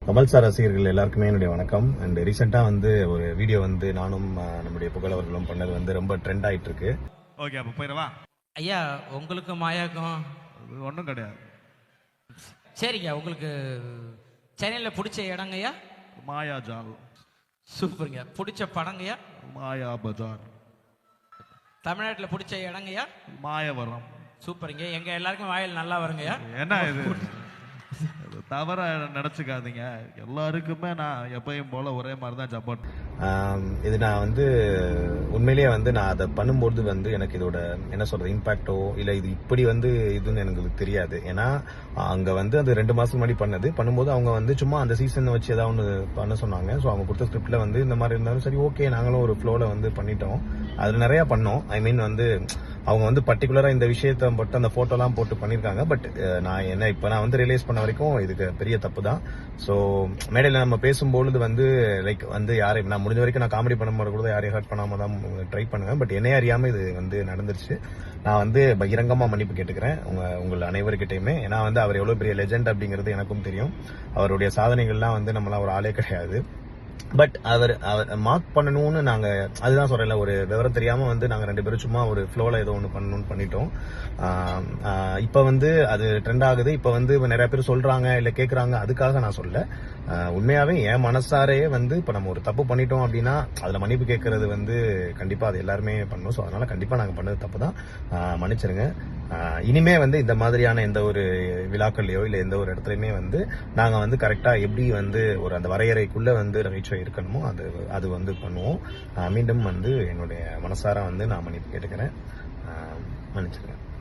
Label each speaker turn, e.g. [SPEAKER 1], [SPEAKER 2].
[SPEAKER 1] Kamal sir ரசிகர்கள் எல்லாருக்குமே என்னுடைய வணக்கம். அண்ட் ரீசெண்டா வந்து ஒரு வீடியோ வந்து நானும் நம்முடைய புகழவர்களும் பண்ணது வந்து ரொம்ப ட்ரெண்ட் ஆயிட்டு இருக்கு.
[SPEAKER 2] ஓகே, அப்ப போயிடவா?
[SPEAKER 3] ஐயா உங்களுக்கு மாயாக்கம்
[SPEAKER 2] ஒன்றும் கிடையாது.
[SPEAKER 3] சரிங்க. உங்களுக்கு சென்னையில் பிடிச்ச இடங்கய்யா?
[SPEAKER 2] மாயாஜால்.
[SPEAKER 3] சூப்பருங்க. பிடிச்ச படங்கய்யா?
[SPEAKER 2] மாயா பஜார்.
[SPEAKER 3] தமிழ்நாட்டில் பிடிச்ச இடங்கய்யா?
[SPEAKER 2] மாயவரம்.
[SPEAKER 3] சூப்பருங்க. எங்க எல்லாருக்கும் வாயில் நல்லா வருங்கய்யா.
[SPEAKER 2] என்ன இது தவற நினைச்சுக்காதீங்க. எல்லாருக்குமே நான் எப்பயும் போல ஒரே மாதிரி தான் சப்போர்ட்.
[SPEAKER 1] இது நான் வந்து உண்மையிலேயே வந்து நான் அதை பண்ணும்போது வந்து எனக்கு இதோட என்ன சொல்றது இம்பாக்டோ இல்லை இது இப்படி வந்து இதுன்னு எனக்கு தெரியாது. ஏன்னா அங்க வந்து அது 2 மாசம் முன்னாடி பண்ணும்போது அவங்க வந்து சும்மா அந்த சீசன் வச்சு ஏதாவது ஒன்று பண்ண சொன்னாங்க. ஸோ அவங்க கொடுத்த ஸ்கிரிப்ட்ல வந்து இந்த மாதிரி இருந்தாலும் சரி ஓகே நாங்களும் ஒரு ஃப்ளோல வந்து பண்ணிட்டோம். அதுல நிறைய பண்ணோம். ஐ மீன் வந்து அவங்க வந்து பர்டிகுலரா இந்த விஷயத்த மட்டும் அந்த போட்டோலாம் போட்டு பண்ணிருக்காங்க. பட் நான் வந்து ரியலைஸ் பண்ண வரைக்கும் இதுக்கு பெரிய தப்பு தான். ஸோ மேடையில் நம்ம பேசும்பொழுது வந்து லைக் வந்து யாரையும் நான் முடிஞ்ச வரைக்கும் நான் காமெடி பண்ணும்போது கூட யாரையும் ஹர்ட் பண்ணாம தான் ட்ரை பண்ணுவேன். பட் என்னைய அறியாம இது வந்து நடந்துருச்சு. நான் வந்து பகிரங்கமா மன்னிப்பு கேட்டுக்கிறேன் உங்கள் அனைவருக்கிட்டையுமே. ஏன்னா வந்து அவர் எவ்வளவு பெரிய லெஜெண்ட் அப்படிங்கிறது எனக்கும் தெரியும். அவருடைய சாதனைகள்லாம் வந்து நம்மளாம் ஒரு ஆளே கிடையாது. பட் அவர் மார்க் பண்ணணும்னு நாங்க அதுதான் சொல்றேன்ல, ஒரு விவரம் தெரியாம வந்து நாங்க 2 பேரும் சும்மா ஒரு ஃப்ளோல ஏதோ ஒன்று பண்ணணும்னு பண்ணிட்டோம். இப்ப வந்து அது ட்ரெண்ட் ஆகுது. இப்ப வந்து நிறைய பேர் சொல்றாங்க இல்ல கேக்குறாங்க, அதுக்காக நான் சொல்ல. உண்மையாவே என் மனசாரே வந்து இப்ப நம்ம ஒரு தப்பு பண்ணிட்டோம் அப்படின்னா அதுல மன்னிப்பு கேட்கறது வந்து கண்டிப்பா அது எல்லாருமே பண்ணணும். ஸோ அதனால கண்டிப்பா நாங்க பண்ணது தப்பு தான். மன்னிச்சிருங்க. இனிமே வந்து இந்த மாதிரியான எந்த ஒரு விழாக்கள்லயோ இல்ல எந்த ஒரு இடத்துலயுமே வந்து நாங்க வந்து கரெக்டா எப்படி வந்து ஒரு அந்த வரையறைக்குள்ள வந்து நகைச்சுவை இருக்கணுமோ அது வந்து பண்ணுவோம். மீண்டும் வந்து என்னுடைய மனசார வந்து நான் மன்னிப்பு கேட்டுக்கிறேன். மன்னிச்சிருக்கேன்.